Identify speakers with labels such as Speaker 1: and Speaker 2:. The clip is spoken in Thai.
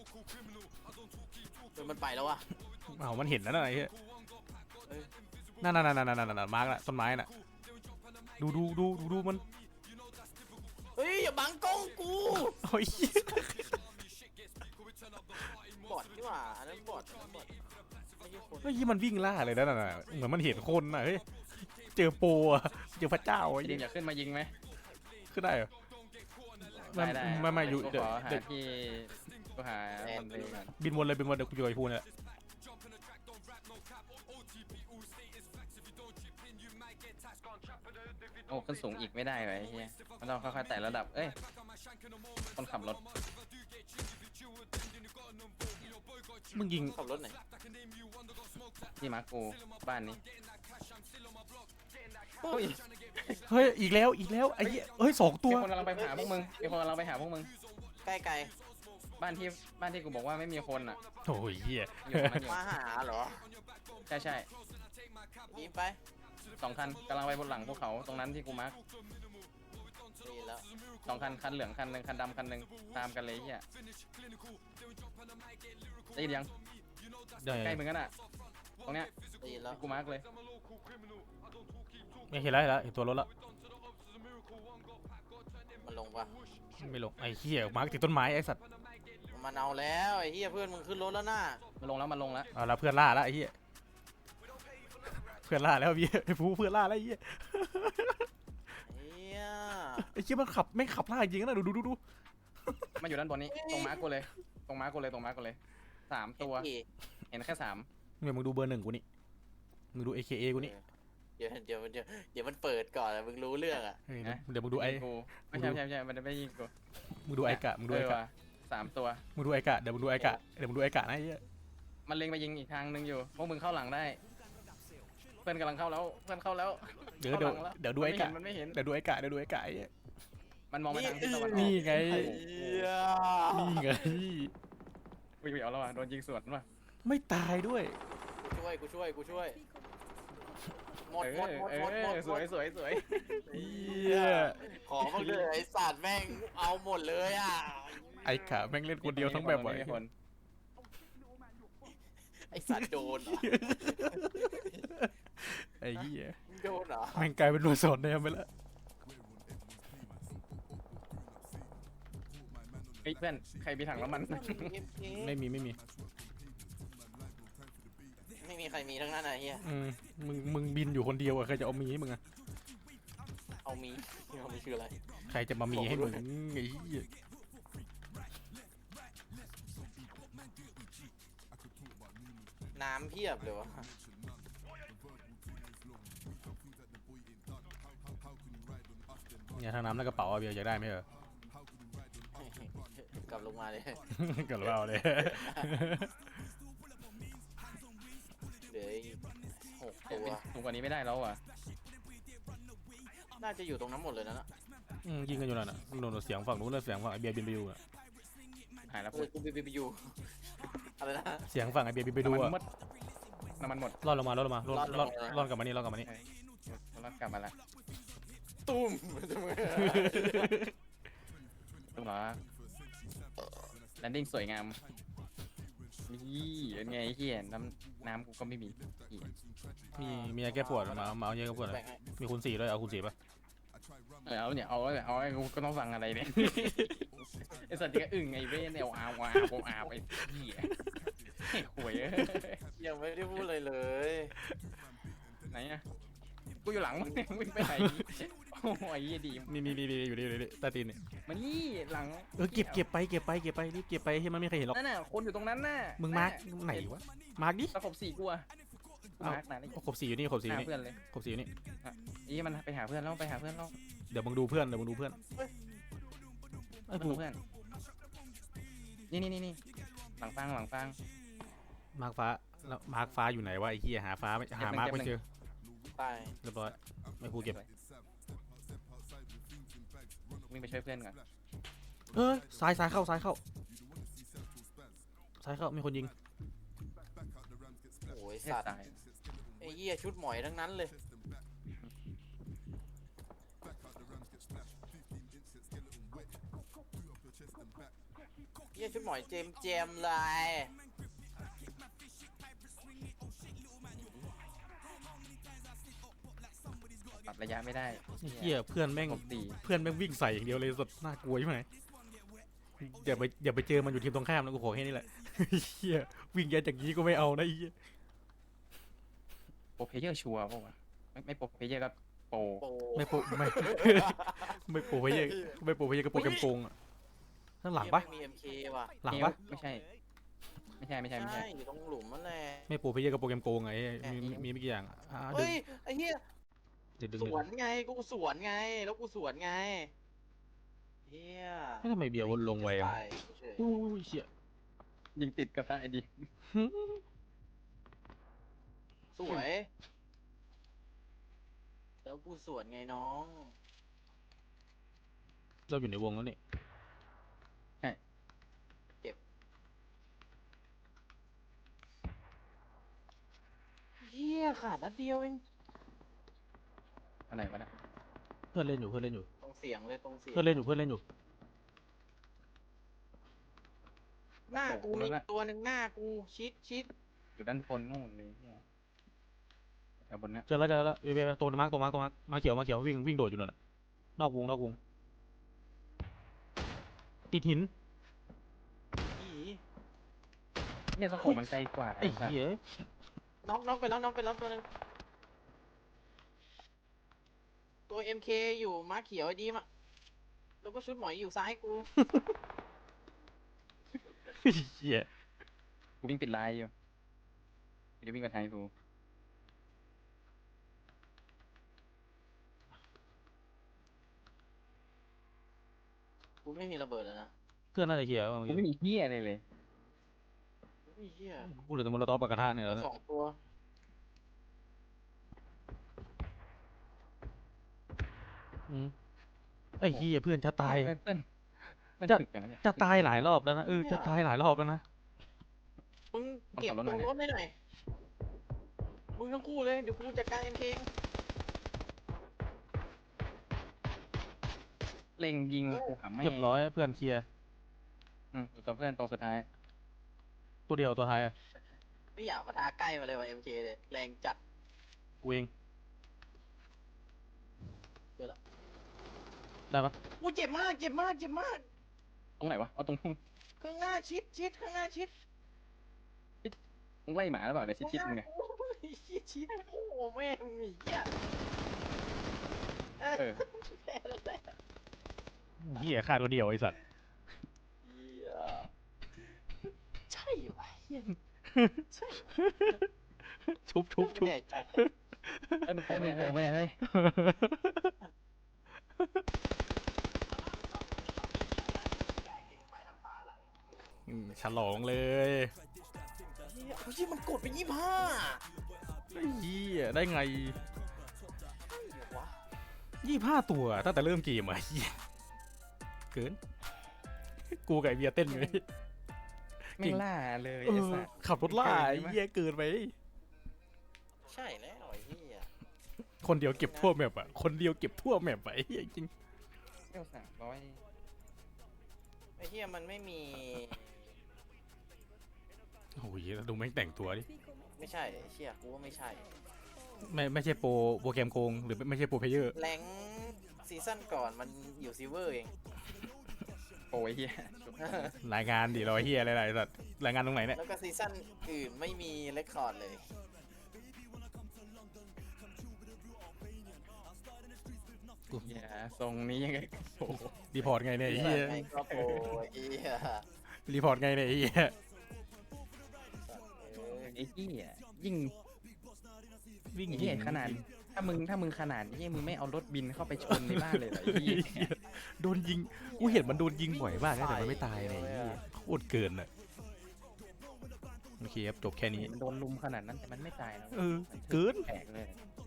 Speaker 1: มันไปแล้ววะ
Speaker 2: เอามันเห็นแล้วนะไอ้เหี้ยนั่นมาร์กละต้นไม้น่ะดูมัน
Speaker 1: เฮ้ยอย่าบังกล้องกู
Speaker 2: โอ้ย
Speaker 1: บอดนี่หว่าอันนั้นบอดไม่ใช่คน
Speaker 2: เฮ้ยมันวิ่งล่าเลยนั่นน่ะเหมือนมันเห็นคนน่ะเฮ้ยเจอโปอะเจอพระเจ้าไอ้
Speaker 3: ดิ
Speaker 2: เหี้
Speaker 3: ม
Speaker 2: ย
Speaker 3: อยากขึ้นมายิงไหม
Speaker 2: ขึ้นได้เหรอ
Speaker 3: ได้
Speaker 2: ไม่อยู่
Speaker 3: กู
Speaker 2: เดี๋ยว
Speaker 3: ขอหาที่กูหาคนเลยก่อน
Speaker 2: บินวนเลยบินวนเดี๋ยวกูโยนพูนแหละ
Speaker 3: โอ้ขึ้นสูงอีกไม่ได้เลยไอ้เฮียมันต้องค่อยๆไต่ระดับเอ้ยคนขับรถ
Speaker 2: มึงยิง
Speaker 1: ขับรถไหน
Speaker 3: ที่มาร์กูบ้านนี้
Speaker 2: เฮ้ยอีกแล้วไอ้เหี้ยเฮ้ย2 ตัว
Speaker 3: มีคนกำลังไปหาพวกมึงมีคนกำลังไปหาพวกมึง
Speaker 1: ใกล้
Speaker 3: บ้านที่กูบอกว่าไม่มีคนอ่ะ
Speaker 2: โอ้ยเหี้ย
Speaker 3: อยู่ตรงนั้นอยู่
Speaker 1: มาหาเหรอ
Speaker 3: ใช่
Speaker 1: ยิงไป
Speaker 3: 2 คันกำลังไปบนหลังพวกเขาตรงนั้นที่กูมาร์ก
Speaker 1: ดีแล้ว
Speaker 3: 2 คันคันเหลืองคันหนึ่งคันดำคันหนึ่งตามกันเลยเฮียได้ยินยัง
Speaker 2: ได้
Speaker 3: ใกล้มึงกันอ่ะตรงเนี้ย
Speaker 1: ดีแล้ว
Speaker 3: ที่กูมาร์กเลย
Speaker 2: ไม่เห็นแล้วเห็นตัวรถแล้ว
Speaker 1: มันลงปะ
Speaker 2: ไม่ลงไอ้เหี้ยมาร์กติดต้นไม้ไอ้สัตว์
Speaker 1: มันเอาแล้วไอ้เหี้ยเพื่อนมึงขึ้นรถแล้วน่ะ
Speaker 3: มันลงแล้ว
Speaker 2: เอาละเพื่อนล่าแล้วไอ้เหี้ยเพื่อนล่าแล้วพี่ไอ้ผู้เพื่อนล่าแล้วไอ้เหี้ย
Speaker 1: เหี้ย
Speaker 2: ไอ้เหี้ยมันขับไม่ขับล่าจริงนะดู
Speaker 3: มาอยู่ด้านบนนี้ตรงมาร์กกูเลยตรงมาร์กกูเลย3 ตัวเห็นแค่3
Speaker 2: เนี่ยมึงดูเบอร์ 1กูนี่มึงดู AKA กูนี่
Speaker 1: เดี๋ยวมันเปิดก่อนมึงรู้เรื่องอ่ะ
Speaker 2: เดี๋ยวมึงดูไอ้
Speaker 3: กูไม่ใช่มันไม่ยิงกู
Speaker 2: มึงดูไอ้กะมึงดูไอ้กะ
Speaker 3: ว่ะ3 ตัว
Speaker 2: มึงดูไอ้กะเดี๋ยวมึงดูไอ้กะนะไอ้เหี้ย
Speaker 3: มันเล็งไปยิงอีกทางหนึ่งอยู่พวกมึงเข้าหลังได้เพื่อนกำลังเข้าแล้ว
Speaker 2: เดี๋ยวดูไอ้กะ
Speaker 3: มันไม่เห็น
Speaker 2: เดี๋ยวดูไอ้กะไอ้เหี้ย
Speaker 3: มันมองไปทางทิศตะวันออก
Speaker 2: นี่ไง
Speaker 1: เหี้ย
Speaker 2: นี่ไง
Speaker 3: วิ่งเอาแล้วว่ะโดนยิงสวนว่ะ
Speaker 2: ไม่ตายด้วย
Speaker 1: กูช่วยหมด
Speaker 3: สวย
Speaker 2: เหี้ย
Speaker 1: ขอมาเลยไอ้สัตว์แม่งเอาหมดเลยอ่ะ
Speaker 2: ไอ้กะแม่งเล่นคนเดียวทั้งแบบว่ะ
Speaker 3: ไม่มีคน
Speaker 1: ไอ้สัตว์โดนเหรอ
Speaker 2: ไอ้เหี้ย
Speaker 1: โดนเหรอ
Speaker 2: แม่งกลายเป็นหน่วยสอนแนมไปแล้ว
Speaker 3: เฮ้ยเพื่อนใครมีถังน้ำมัน
Speaker 2: ไม่มี
Speaker 1: ไม่มีใครมีทั้งนั้นอะเฮีย
Speaker 2: มึงบินอยู่คนเดียวอะใครจะเอามีให้มึงอะ
Speaker 1: เอามีคืออะไร
Speaker 2: ใครจะมามีให้มึงไอ้เหี้ย
Speaker 1: น้ำเพียบเลยวะ
Speaker 2: เนี่ยทางน้ำในกระเป๋าอะเบียร์อยากได้ไหมเหรอก
Speaker 1: ลับลงมาเลย
Speaker 2: กระเป๋าเลย
Speaker 1: เหลืออีก6 ตัว
Speaker 3: ถูกกว่านี้ไม่ได้แล้วอ่ะ
Speaker 1: น่าจะอยู่ตรงนั้นหมดเลยนะ
Speaker 2: ยิงกันอยู่นั่นน่ะโดนเสียงฝั่งนู้นเลยเสียงฝั่งไอเบียร์บินไปดูอะ
Speaker 3: หายแล้ว
Speaker 1: กูไปอยู่อะไรนะ
Speaker 2: เสียงฝั่งไอเบียร์บินไปดูอะ
Speaker 3: น้ำมันหมด
Speaker 2: รอดลงมารอดกลับมานี่
Speaker 3: รอดกลับมาแล้ว
Speaker 1: ตุ้ม
Speaker 3: ถูกเหรอแลนดิ้งสวยงามนี่เป็นไงเฮียน้ำกูก็ไม่มี
Speaker 2: มียาแก้ปวดมาเอายาแก้ปวดมีคูณ 4ด้วยเอาคูณ 4ป่ะ
Speaker 3: เอาเนี่ยเอากูก็ต้องฟังอะไรเนี่ยไอสัตว์ก็อึ่งไอเว้นเอาไอเหี้ยหวย
Speaker 1: ยังไม่ได้พูดเลยเลย
Speaker 3: ไหนอะกูอยู่หลังมึงวิ่งไปไหนโอ้ยดี
Speaker 2: นี่อยู่นี่ใต้ตีนนี่
Speaker 3: มันนี่หลัง
Speaker 2: เก็บไปรีบเก็บไปให้มันไม่เคยเห็นหรอก
Speaker 3: นั่นน่ะคนอยู่ตรงนั้นน่ะ
Speaker 2: มึงมาร์กไหนวะมาร์กดิ
Speaker 3: ตะขบ4กูอะมาร์กไหน
Speaker 2: ครบ 4อยู่นี่ครบ 4อยู่
Speaker 3: หา
Speaker 2: นี่
Speaker 3: เพื่อนเลย
Speaker 2: ครบ 4อยู่นี่
Speaker 3: อีมันไปหาเพื่อนแล้วไปหาเพื่อนแล้ว
Speaker 2: เดี๋ยวมึงดูเพื่อนไอ้กู
Speaker 3: เพื่อนนี่หลังฟาง
Speaker 2: มาร์กฟ้าอยู่ไหนวะไอ้เหี้ยหามาร์กไม่เจอ
Speaker 1: ตาย
Speaker 2: เรียบร้อยไม่พูดเก็บ
Speaker 3: วิ่งไปช่วยเพื่อนก่อน
Speaker 2: ซ้ายเข้ามีคนยิง
Speaker 1: โอ้ยสัตว์
Speaker 3: ตาย
Speaker 1: ไอ้เหี้ยชุดหมอยทั้งนั้นเลยเฮียชุดหมอยเจมเจมเลย
Speaker 3: ปรับระยะไม่ได้
Speaker 2: เฮียเพื่อนแม่ง
Speaker 3: ตบตี
Speaker 2: เพื่อนแม่งวิ่งใส่อย่างเดียวเลยสุดน่ากลัวใช่ไหมอย่าไปเจอมันอยู่ทีมตรงข้ามนะกูขอแค่นี้แหละ เฮียวิ่งแย่จากนี้ก็ไม่เอานะไอ้เฮีย
Speaker 3: โปรเพลเยอร์ชัวร์ป่าวะไม่โปรเพลเยอร์ก็โปร
Speaker 1: โป
Speaker 2: ไม่โปไม่ ไม่โปรไปเยอะไม่โปรไปเยอะก็โปรแกรมโกงอะข้างหลังปะ
Speaker 1: มี MK ว่ะ
Speaker 2: หลังปะ
Speaker 3: ไม่ใช่ ไม่ใช่
Speaker 1: ใช่อยู่ตรงหลุมนั่นแหละ
Speaker 2: ไม่โปรไปเยอะก็โปรแกรมโกงไงมีไม่กี่อย่างดึง
Speaker 1: เฮ้ยไอ้เหี้ย
Speaker 2: ดึง
Speaker 1: สวนไงกูสวนไงแล้วกูสวนไงเหี้ย
Speaker 2: ไม่ทำไมเบียร์วนลงไวอ่ะ
Speaker 1: ไปเฉย
Speaker 2: อู้ยเชี่ย
Speaker 3: ยิงติดกระทะไอ้ดิ
Speaker 1: สวยแล้วกูสวนไงน้อง
Speaker 2: เราอยู่ในวงแล้วนี่
Speaker 1: เหี้ยขาดนัดเดียวเอง
Speaker 3: อะไรวะเนี่ย
Speaker 2: เพื่อนเล่นอยู่
Speaker 1: ตรงเสียงเลยตรงเสียง
Speaker 2: เพื่อนเล่นอยู่
Speaker 1: หน้ากูมีตัวหนึ่งหน้ากูชิด
Speaker 3: อยู่ด้านบนนู่นเลยเนี่ยแถวบนเนี้ย
Speaker 2: เจอแล้วเวยตัวมาร์กมาเขียววิ่งโดดอยู่นั่นนอกวงติดหิน
Speaker 1: อี
Speaker 3: เนี่ยสโคปมันไกลกว่า
Speaker 2: ไอ้เหี้ย
Speaker 1: น็อกไปแล้วตัวหนึงตัว MK อยู่ม้าเขียวไอ้ดีมอะแล้วก็ชุดหมอยอยู่ซ้ายกู
Speaker 2: เหี้ย
Speaker 3: กูวิ่งปิดไลน์อยู่เดี๋ยววิ่งกับไทยกู
Speaker 1: กูไม่มีระเบิดแล้วนะ
Speaker 2: เพื่อนน่าจะเหี้ย
Speaker 3: กูไม่มีเหี้ยอะไรเลย
Speaker 1: อุ้ยเหี้ย
Speaker 2: กูเหลือแต่มอลโตอปากกระทะเนี่ยแล้ว
Speaker 1: สองตัว
Speaker 2: ไอ้เหี้ยเพื่อนจะตาย
Speaker 3: เพื่อน
Speaker 2: จะ
Speaker 3: ถึกอย่างนั้นเนี่ย
Speaker 2: จะตายหลายรอบแล้วนะจะตายหลายรอบแล้วนะ
Speaker 1: มึงเก็บ
Speaker 3: เอา
Speaker 1: ต
Speaker 3: ขับรถ
Speaker 1: รง
Speaker 3: หน่อย
Speaker 1: รถได้หน่อยมึงทั้งคู่เลยเดี๋ยวกูจัดการ MK
Speaker 3: เล็งยิงกูหาไม่
Speaker 2: เรียบร้อยเพื่อนเคลียร์
Speaker 3: ตัวเพื่อนตัวสุดท้าย
Speaker 2: ตัวเดียวตัวท้ายอะ
Speaker 1: ไม่อยากมาทาใกล้มาเลยว่ะ MK เลยแรงจัด
Speaker 2: กูเอง
Speaker 1: เจอละ
Speaker 2: ได้ปะ
Speaker 1: กูเจ็บมาก
Speaker 3: ตรงไหนวะเอาตรงพุ่ง
Speaker 1: ข้างหน้าชิดข้างหน้าชิด
Speaker 3: มึงไล่หมาหรือเปล่าเนี่ยชิดๆมึงไง
Speaker 1: โอ้ยชิดโอ้โหแม่งไอ้เหี้ย
Speaker 3: เออ
Speaker 1: แพ้แล้วแหละ
Speaker 2: เหี้ยฆ่าตัวเดียวไอ้สัตว์
Speaker 1: เหี้ยใช่วะเหี้ยใช่
Speaker 2: ชุบ
Speaker 1: ไม่แน่ใจ
Speaker 3: ไอ้มึงโค้งไม่ได้เฮ้ย
Speaker 2: ฉลองเลย
Speaker 1: เหี้ยเฮ้ยมันกดไป25
Speaker 2: ไอ้เหี้ยได้ไง
Speaker 1: ใช่เหรอวะ
Speaker 2: 25 ตัวตั้งแต่เริ่มเกมอะเหี้ยเกิน กูกับไอเบียร์เต้นอยู่นี่
Speaker 3: ไม่งล่าเลย
Speaker 2: เอ
Speaker 3: ไอ้
Speaker 2: อ
Speaker 3: สัส
Speaker 2: ขับรถล่าไอ้เหี้ยเกินไป
Speaker 1: ใช่แล้วไอ้เหี้ย
Speaker 2: คนเดียวเก็บทั่วแมปอะคนเดียวเก็บทั่วแมปไปเหี้ยจริง
Speaker 3: เที่ยว300
Speaker 1: ไอ้เหี้ยมันไม่มี
Speaker 2: โอ้ยแล้วดูแม่งแต่งตัวดิ
Speaker 1: ไม่ใช่ไอ้เชี่ยกูว่าไม่ใช่
Speaker 2: ไม่ใช่โปรแกรมโกงหรือไม่ใช่โปรเพลเยอร์
Speaker 1: แรงซีซั่นก่อนมันอยู่ซิลเวอร์เอง
Speaker 3: โอ้ยเฮีย
Speaker 2: รายงานดิเราเฮียอะไรๆสัตว์รายงานตรงไหนเนี่ย
Speaker 1: แล้วก็ซีซั่นอื่นไม่มีเรคคอร์ดเลย
Speaker 3: อย่าทรงนี้ยังไงโอ้โห
Speaker 2: รีพอร์ตไงเนี่ยไอ้เฮีย
Speaker 1: ไงก็โปรไอ้เหี้ย
Speaker 2: รีพอร์ตไงเนี่ยไอ้เฮีย
Speaker 3: ไอ้เหี้ยยิ่ง
Speaker 2: วิ่ง
Speaker 3: ไอ้เหี้ยขนาด ถ้ามึงขนาดนี้มึงไม่เอารถบินเข้าไปชนในบ้านเลยเหรอไอ้เหี้ย
Speaker 2: โดนยิงกูเห็นมันโดนยิงบ่อยมากนะแต่มันไม่ตายเลยไอ้เฮียโคตรเกินอ่ะโอเคครับจบแค่นี้
Speaker 3: มันโดนลุมขนาดนั้นแต่มันไม่ตายนะ
Speaker 2: เออเกิน
Speaker 3: แปลกเลย